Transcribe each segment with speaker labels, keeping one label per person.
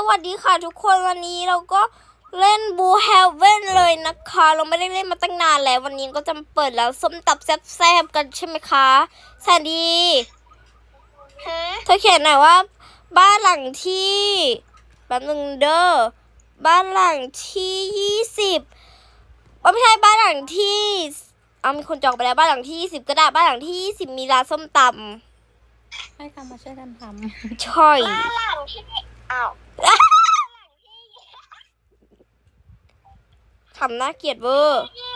Speaker 1: วัสดีค่ะทุกคนวันนี้เราก็เล่นบูเฮลเว่นเลยนะคะเราไม่ได้เล่นมาตั้งนานแล้ววันนี้ก็จะเปิดแล้วส้มตับแซ่บๆกันใช่ไหมคะแซนดี้เธอเขียนหน่อยว่าบ้านหลังที่แป๊บนึงเด้อบ้านหลังที่20ไม่ใช่บ้านหลังที่มีคนจองไปแล้วบ้านหลังที่20ก็ได้บ้านหลังที่20มีร้านส้มตำ
Speaker 2: ให้มาช่วยกันท
Speaker 1: ำใช่
Speaker 3: บ้านหลังที่
Speaker 1: ทำน่าเกลียดเวอร์
Speaker 3: มี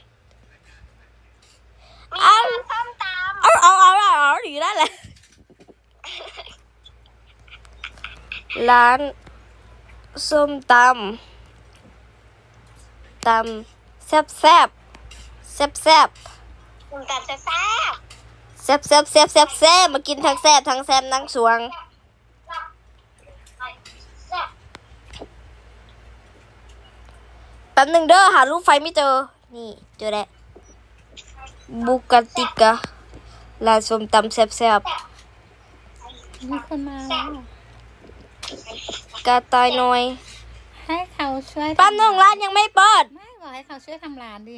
Speaker 3: ร้านส้มตำ
Speaker 1: เอาหนีได้แหละร้านส้มตำแซ่บ
Speaker 3: คุณตำแซ่บ
Speaker 1: มากินทั้งแซ่บทั้งแซ่บนั่งสวงแป๊บหนึ่งเด้อหารูปไฟไม่เจอนี่เจอแล้วบุกติกะร้านส้มตำแซ่บ
Speaker 2: มีคนมาแล้ว
Speaker 1: กาตายหน่อย
Speaker 2: ให้เขาช่วย
Speaker 1: แป๊บหนึ่งร้านยังไม่เปิด
Speaker 2: ไม่บอกให้เขาช่วยทำร้านดิ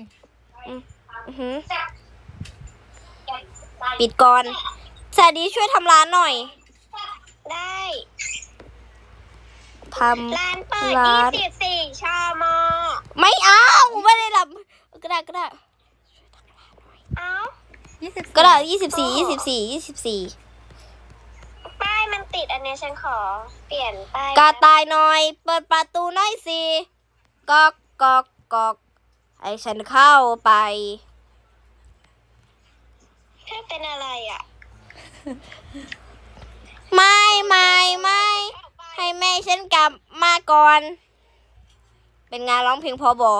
Speaker 1: ปิดก่อนแซนดี้ช่วยทำร้านหน่อย
Speaker 3: ได้
Speaker 1: ทำ
Speaker 3: ร้านเปิด24 ชม.
Speaker 1: ไม่เอาไม่ได้รับก็ได้
Speaker 3: เอ้า
Speaker 1: ก็ได้24
Speaker 3: ป้ายมันติดอันนี้ฉันขอเปลี่ยนป้าย
Speaker 1: กาตายหน่อยเปิดประตูหน่อยสิก๊อกให้ฉันเข้าไป
Speaker 3: เธอเป็นอะไรอ่ะ
Speaker 1: ไม่ให้แม่ฉันกลับมาก่อนเป็นงานร้องเพลงพอบอ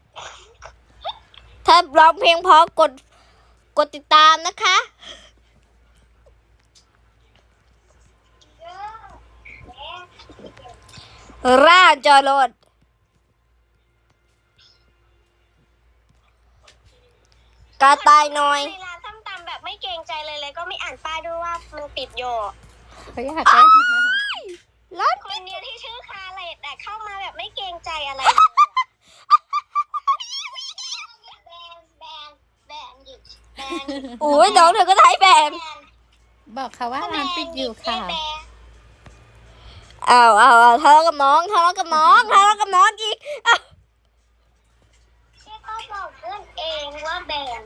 Speaker 1: ถ้าร้องเพลงพอกดติดตามนะคะร่าจอรถกาตายหน่อย
Speaker 3: ในร้านส้มตำแบบไม่เกรงใจเลยก็ไม่อ่านป้ายด้วยว่ามันปิดอยู่
Speaker 2: เขาอยากได้
Speaker 1: ร้าน
Speaker 3: คนเนี้ยที่ชื่อคาเลตแต่เข้ามาแบบไม่เกรงใจอะไร
Speaker 1: โอ้ยน้องเธอก็ไทยแบน
Speaker 2: บอกเขาว่าร้านปิดอยู่ค่ะ
Speaker 1: เอาทะเลาะกับน้องอีก
Speaker 3: พี่ก็บอกเพื่อนเองว่าแบน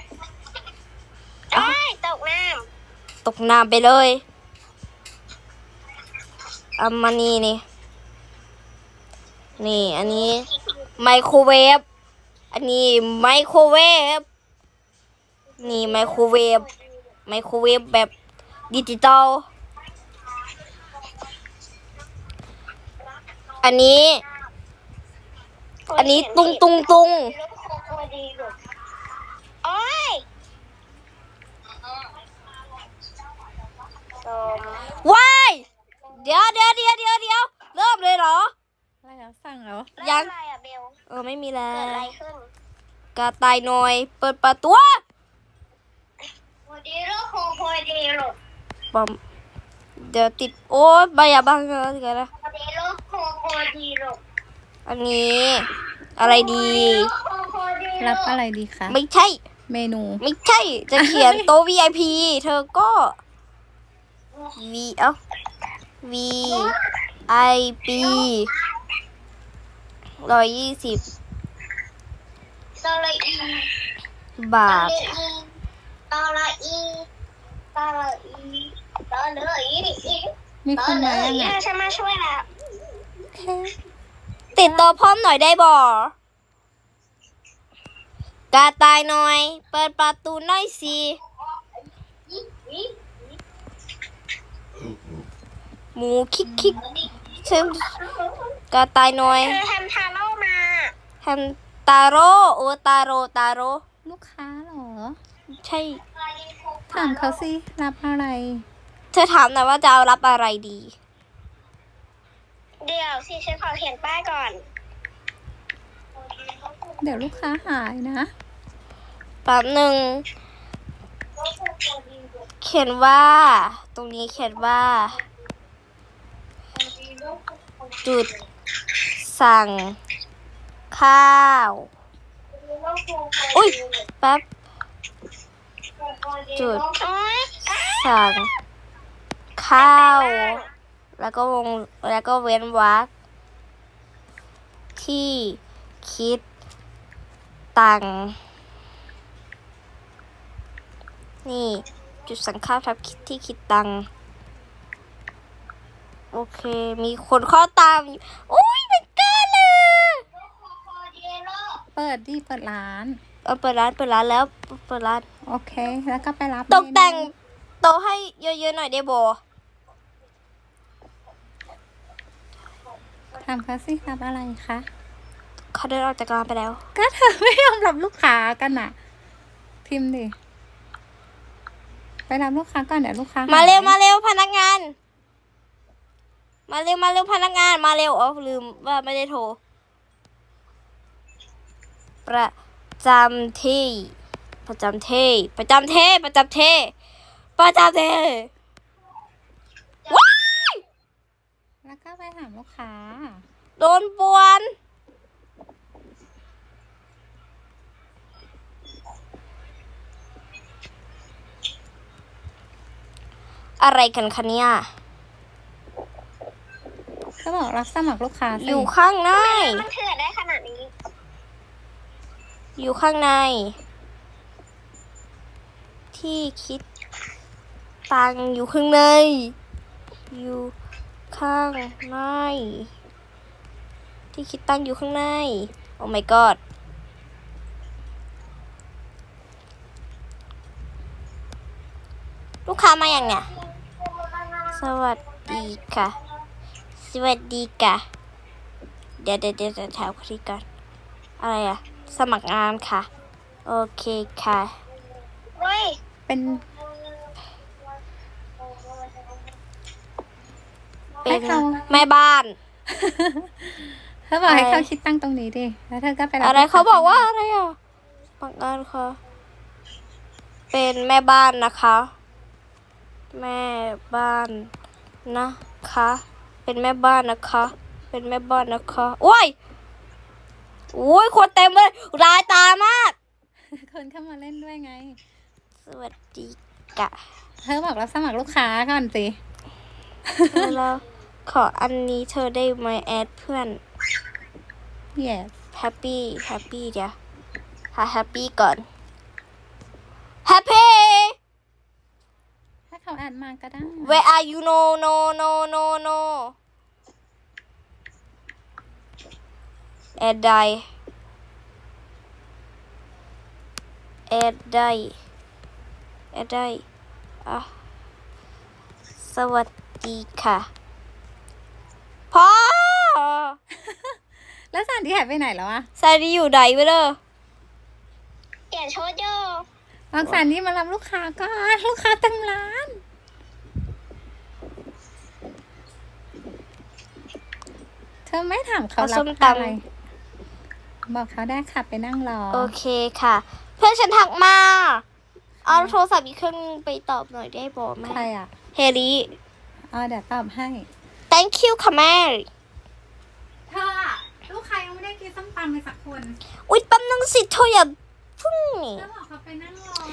Speaker 3: ตก
Speaker 1: น้ำไปเลยมานี่อันนี้ไมโครเวฟอันนี้ไมโครเวฟนี่ไมโครเวฟแบบดิจิตอลอันนี้ตุง
Speaker 3: โอ้ย
Speaker 1: ว้ายเดี๋ยวเริ่มเลยเหรอ
Speaker 2: อะไรแล้วสั่งแล้ว
Speaker 1: ยัง
Speaker 3: อะไรอะเบล
Speaker 1: ไม่มีแล้ว
Speaker 3: เกิดอะไรขึ้น
Speaker 1: กระต่ายหน่อยเปิดประตู
Speaker 3: พอดีลูก
Speaker 1: ปอมเดี๋ยวติดโอ๊ยใบยาบ้างเลยกันนะ
Speaker 3: พอดีลูก
Speaker 1: อันนี้อะไรดี
Speaker 2: รับอะไรดีคะ
Speaker 1: ไม่ใช่
Speaker 2: เมนู
Speaker 1: ไม่ใช่จะเขียนโต๊ะ VIP เธอก็VIP 120บาท
Speaker 2: มีคนมาแล้วไง
Speaker 3: ฉันมาช่วยแล้ว
Speaker 1: ติดตัวพร้อมหน่อยได้บ่กาตายหน่อยเปิดประตูหน่อยสิหมูคิกฉันกาตายหน่อย
Speaker 3: ทำทาโร่มา
Speaker 1: ทำตาโร่ตาโร่
Speaker 2: ลูกค้าเหรอ
Speaker 1: ใช่
Speaker 2: ถามเขาสิรับอะไร
Speaker 1: เธอถามหน่อยว่าจะเอารับอะไรดี
Speaker 3: เดี๋ยวสิฉันขอเขียนป้ายก่อน
Speaker 2: เดี๋ยวลูกค้าหายนะ
Speaker 1: แป๊บหนึ่งเขียนว่าตรงนี้เขียนว่าจุดสั่งข้าวอุ้ยแป๊บจุด
Speaker 3: โอ๊ย
Speaker 1: สั่งข้าว แล้วก็เว้นวรรคที่คิดตังค์นี่จุดสั่งข้าวทับที่คิดตังค์โอเค มีคนเข้าตามโอ้ยเป็นกันเลย
Speaker 2: เปิดดิเปิดร้าน
Speaker 1: เปิดร้านแล้วเปิดร้าน
Speaker 2: โอเค แล้วก็ไปรับ
Speaker 1: ตกแต่ง
Speaker 2: เมนู
Speaker 1: โต๊ะให้เยอะๆหน่อยได้บ่
Speaker 2: ถามเขาสิรับอะไรคะ
Speaker 1: เขาเดินออกจากร้านไปแล้ว
Speaker 2: ก็เธอไม่ยอมรับลูกค้ากันน่ะ พิมพ์ดิ ไปรับลูกค้าก่อนเดี๋ยวลูกค้า
Speaker 1: มา
Speaker 2: หย
Speaker 1: เร็วพนักงาน มาเร็วพนักงานมาเร็วอ๋อลืมว่าไม่ได้โทร ประจำที่ประจำที่ว้าย
Speaker 2: แล้วก็ไปถามลูกค้า
Speaker 1: โดนป่วนอะไรกันคะเนี่ย
Speaker 2: ก็บอกรับสมัครลูกค้าสิ
Speaker 1: อยู่ข้างใน
Speaker 3: มันเถื่อนได้ขนาดนี้
Speaker 1: อยู่ข้างใน ที่คิดตังค์อยู่ข้างใน อยู่ข้างใน ที่คิดตังค์อยู่ข้างใน โอ้ my god ลูกค้ามาอย่างเนี่ย สวัสดีค่ะ สวัสดีค่ะ เดี๋ยวถามคนที่ก่อนอะไรอะสมัครงานค่ะ โอเคค่ะ
Speaker 3: เฮ้ย
Speaker 2: เป็น
Speaker 1: เป็นแม่บ้าน
Speaker 2: เธอบอกให้
Speaker 1: อะไร
Speaker 2: เขาคิดตั้งตรงนี้ดิ แล้วเธอก็ไปรับ
Speaker 1: อะไร
Speaker 2: ลูค้
Speaker 1: เขาบอกว่าอะไรอ่ะสมัครงานค่ะ เป็นแม่บ้านนะคะ แม่บ้านนะคะ เป็นแม่บ้านนะคะ เป็นแม่บ้านนะคะโอ้ยโอ้ยคนเต็มเลยรายตามาก
Speaker 2: คนเข้ามาเล่นด้วยไง
Speaker 1: สวัสดีกะ
Speaker 2: เธอบอกรับสมัครลูกค้าก่อนสิ
Speaker 1: แล้วขออันนี้เธอได้ไหมแอดเพื่อน
Speaker 2: yes
Speaker 1: แฮปปี้เดี๋ยวหาแฮปปี้ก่อนแฮปปี้
Speaker 2: ถ้าเขาแอดมาก็ได้
Speaker 1: Where are you no แอดได้อ่ะสวัสดีค่ะพ่อ
Speaker 2: แล้วสถานที่หายไปไหนแล้วอะ
Speaker 1: ซาดีอยู่ไหนไปเลย
Speaker 3: เปลี่ยนชุดโย
Speaker 2: บางสถานที่มารับลูกค้าก่อนลูกค้าเต็มร้าน เธอไม่ถามเขารับอะไร บอกเขาได้ค่ะไปนั่งรอ
Speaker 1: โอเคค่ะ เพื่อนฉันทักมา เอาโทรศัพท์อีกเครื่องนึงไปตอบหน่อยได้บอกไหม
Speaker 2: ใครอะ
Speaker 1: เฮลี่
Speaker 2: เดี๋ยวตอบให้
Speaker 1: thank you ค่ะแม่
Speaker 2: เธอลูกค้ายังไม่ได้กินส้มตำเลยสักคน
Speaker 1: อุ๊ยแป๊บนึงสิเธออย่าพึ่งนี่
Speaker 2: เธอบอกเขาไปนั่งรอ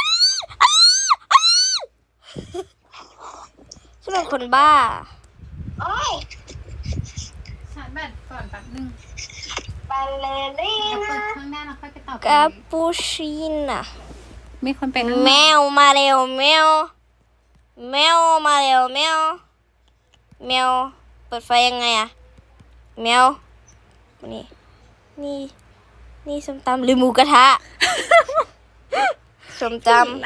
Speaker 1: ฉันเป็นคนบ้า
Speaker 3: โอ้ย
Speaker 2: ชาร์จแบตก่อนแป๊บนึง
Speaker 3: บัลเลริ
Speaker 2: เดี๋ยวเปิ
Speaker 3: น่า
Speaker 2: ดเครื่องได้แล้วค่อยไปตอบ
Speaker 1: กาปูชิน่ะ
Speaker 2: มีคนไปนั่งรอ
Speaker 1: แมวมาเร็วแมวมาเร็วแมวเปิดไฟยังไงอะแมวนี่ส้มตำหรือหมูกระทะ ส้มตำ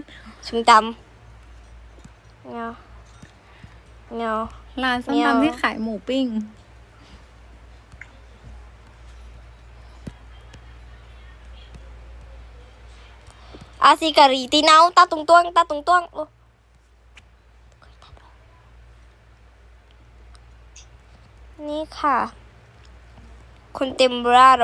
Speaker 1: แมว
Speaker 2: ร้านส้มตำที่ขายหมูปิ้ง
Speaker 1: อาซิการีตีเนาตาตุงตวงโอ้นี่ค่ะ คนเต็มร่าเลย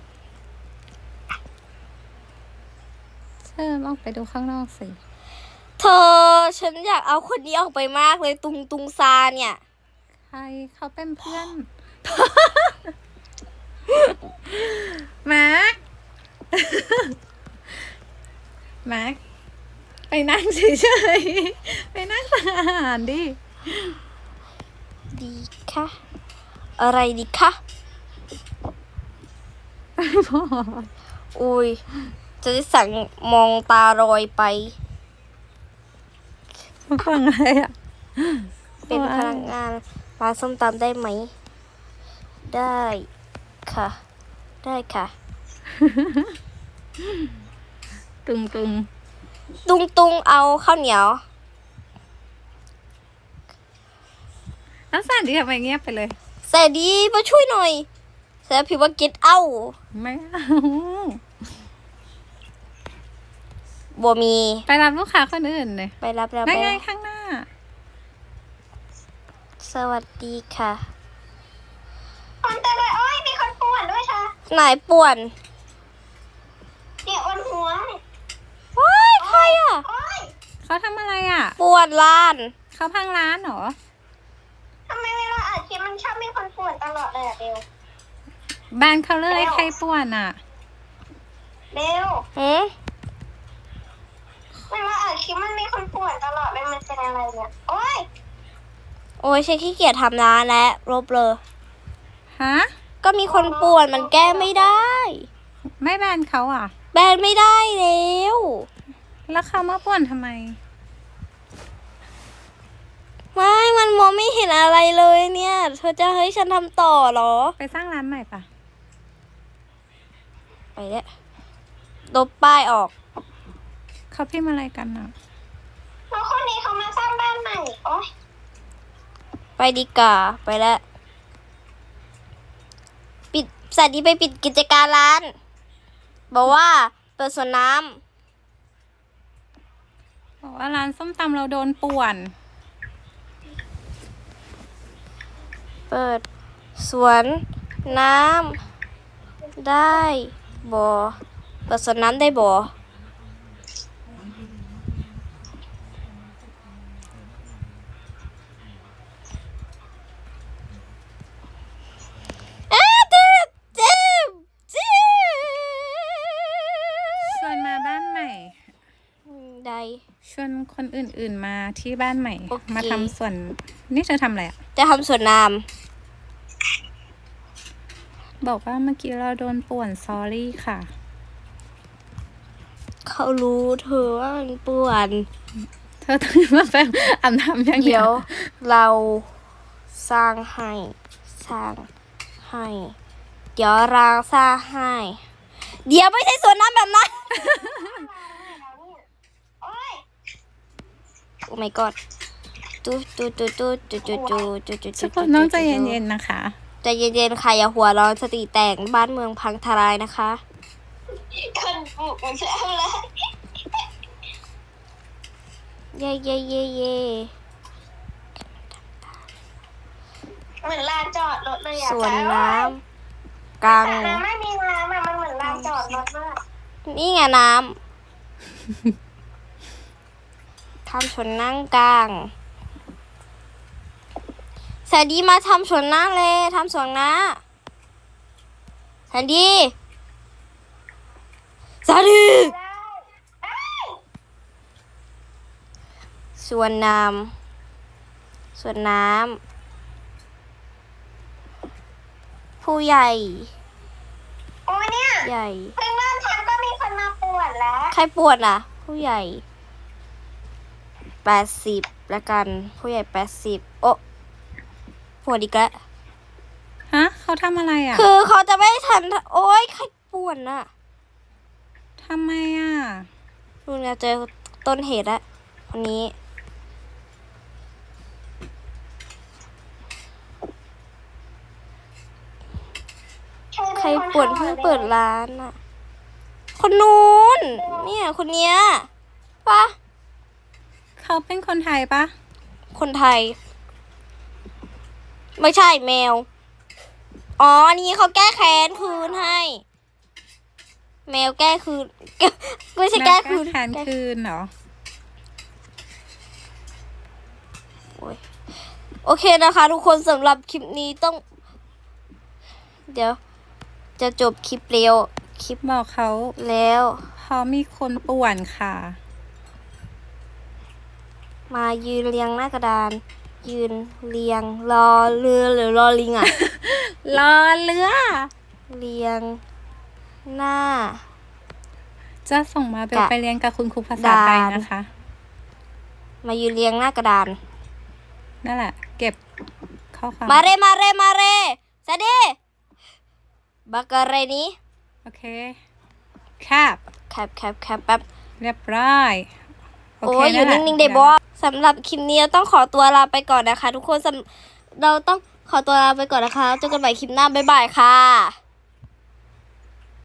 Speaker 2: เธอออกไปดูข้างนอกสิ
Speaker 1: เธอฉันอยากเอาคนนี้ออกไปมากเลยตุงซาเนี่ย
Speaker 2: ใครเขาเป็นเพื่อน แม็ก แม็ก ไปนั่งเฉยๆ ไปนั่งสั่งอาหารดิ
Speaker 1: ดีค่ะ อะไรดีคะ
Speaker 2: พอ
Speaker 1: อุ้ยจะได้สั่งมองตาลอยไป
Speaker 2: ฟังอะไรอ่ะ
Speaker 1: เป็นพนักงานร้านส้มตำได้ไหม ได้ค่ะ ได้ค่ะ
Speaker 2: ตุง
Speaker 1: ตุงเอาข้าวเหนียว
Speaker 2: แล้วสานดีทำไมเงียบไปเลย
Speaker 1: แสดีมาช่วยหน่อยแสดพี่ว่าเก็ตเอา
Speaker 2: ไม่เอา
Speaker 1: บ่มี
Speaker 2: ไปรับลูกค้าคนอื่นเลย
Speaker 1: ไปรับแล้ว
Speaker 2: ได้
Speaker 1: ไป
Speaker 2: ไง
Speaker 1: รับ
Speaker 2: ข้างหน้า
Speaker 1: สวัสดีค่ะ
Speaker 3: คนเต็มเลยโอ้ยมีคนป่วนด้วยเธอ
Speaker 1: ไหนป่วน
Speaker 3: เนี่ยอ้วนหัวเนี่ย
Speaker 1: ว้ายใครอ่ะ
Speaker 3: โอ้ย
Speaker 2: เขาทำอะไรอ่ะ
Speaker 1: ป่วนร้าน
Speaker 2: เขาพังร้านเหรอ
Speaker 3: ทำไมเวลาอัดคลิปมันชอบมีคนป่วนตลอดเลยอะเบล
Speaker 2: บ้านเขาเลยใครป่วนอ่ะ
Speaker 3: เบล
Speaker 1: หืม
Speaker 3: เวลาอัดคลิปมันมีคนป่วนตลอดเลยมันเป็นอะไรเนี่ยโอ้ย
Speaker 1: โอ้ยฉันขี้เกียจทำร้านแล้วลบเลย
Speaker 2: ฮะ
Speaker 1: ก็มีคนป่วนมันแก้ไม่ได้
Speaker 2: ไม่แบนเขาอ่ะ
Speaker 1: แบนไม่ได้แล้ว
Speaker 2: แล้วเขามาป่วนทำไม
Speaker 1: ไม่มันมองไม่เห็นอะไรเลยเนี่ย เธอจะให้ฉันทำต่อเหรอ
Speaker 2: ไปสร้างร้านใหม่ปะ
Speaker 1: ไปแล้วลบป้ายออก
Speaker 2: เขาพิมพ์อะไรกันอ่ะ
Speaker 3: แล้วคนนี้เขามาสร้างบ้านใหม่โอ้ย
Speaker 1: ไปดีกว่าไปแล้ว ปิดสวัสดีไปปิดกิจการร้าน บอกว่าเปิดสวนน้
Speaker 2: บอกว่าร้านส้มตำเราโดนป่วน
Speaker 1: ำเปิดสวนน้ำได้บ่เปิดสวนน้ำได้บ่เจ็บเจ็บเจ็บ
Speaker 2: ชวนมาบ้านใหม่
Speaker 1: ได้
Speaker 2: ชวนคนอื่นๆมาที่บ้านใหม่
Speaker 1: โอเค
Speaker 2: มาทำส่วน นี่เธอทำอะไรอ่ะ
Speaker 1: จะทำสวนน้
Speaker 2: บอกว่าเมื่อกี้เราโดนป่วนซอรี่ค่ะ
Speaker 1: ำเขารู้เธอว่ามันป่วน
Speaker 2: เธอต้องมาแปมอาบน้ำอย่างเดี
Speaker 1: เดี๋
Speaker 2: ย
Speaker 1: ยว วเราสร้างให้สร้างให้ เดี๋ยวเราสร้างให้ เดี๋ยวไม่ใช่สวนน้ำแบบนั้น
Speaker 3: โอ้ย
Speaker 1: โอ้ my god ตุ๊ตุ๊ตุ๊ตุ๊ตุ๊ตุ๊ตุ๊ตุ๊ตุ๊
Speaker 2: ทุกคนต้องใจเย็นๆนะคะ
Speaker 1: ใจเย็นๆค่ะอย่าหัวร้อนสติแตกบ้านเมืองพังทลายนะคะ
Speaker 3: คนปลุกมันจะเอาเลย
Speaker 1: เย่เย่เย่เย่
Speaker 3: เหมือนลานจอดรถเลยอะ
Speaker 1: สวนน้ำกลาง
Speaker 3: แต่น้ำไม่มีน้ำอะมันเหมือนลานจอดรถมาก
Speaker 1: นี่ไงน้ำทำสวนนั่งกลางแสนดีมาทำสวนน้าเลยทำสวนน้าแสนดีแสนดี
Speaker 3: ได้
Speaker 1: สวนน้ำสวนน้ำผู้ใหญ่
Speaker 3: โอ้ยเนี่ย
Speaker 1: ใหญ่
Speaker 3: เพิ่งเริ่มทำก็มีคนมาป่วนแล้ว
Speaker 1: ใครปวดอ่ะ ผู้ใหญ่80ละกัน ผู้ใหญ่80โอ้ปวดอีกแล้ว
Speaker 2: ฮะ เขาทำอะไรอ่ะ
Speaker 1: คือเขาจะไม่ทัน โอ๊ย ใครปวดน่ะ
Speaker 2: ทำไมอ่ะ
Speaker 1: นู่นไงเจอต้นเหตุแล้วคนนี้ ใครปวดเพิ่งเปิดร้านอ่ะ คนนู้น เนี่ย คนเนี้ยปะ
Speaker 2: เขาเป็นคนไทยปะ
Speaker 1: คนไทย ไม่ใช่แมว อ๋ออันนี้เขาแก้แค้นคืนให้ แมวแก้คืน ไม่ใช่แก้คืน
Speaker 2: แทนคืนเหรอ
Speaker 1: โอ้ยโอเคนะคะ ทุกคนสำหรับคลิปนี้ต้อง เดี๋ยว จะจบคลิปเร็วคลิป
Speaker 2: บอกเขา
Speaker 1: แล้ว
Speaker 2: เพราะมีคนป่วนค่ะ
Speaker 1: มายืนเรียงหน้ากระดาน ยืนเรียงรอเรือหรือรอลิงอะ
Speaker 2: รอเรือ
Speaker 1: เรียงหน้า
Speaker 2: จะส่งมาเบล
Speaker 1: กะ
Speaker 2: ไปเรียนกับคุณครูภาษาไทยนะคะ
Speaker 1: มายืนเรียงหน้ากระดาน
Speaker 2: นั่นแหละ เก็บข้อความ
Speaker 1: มาเรสวัสดีบักอะไรนี้
Speaker 2: โอเคครับ
Speaker 1: แคปแป๊บ
Speaker 2: เรียบร้อย โอ
Speaker 1: โอ้
Speaker 2: เค
Speaker 1: ยอยู่
Speaker 2: แหละ
Speaker 1: นิ่งๆเดบอสำหรับคลิปนี้เราต้องขอตัวลาไปก่อนนะคะ ทุกคนเราต้องขอตัวลาไปก่อนนะคะเจอกันใหม่คลิปหน้าบ๊ายบายค่ะ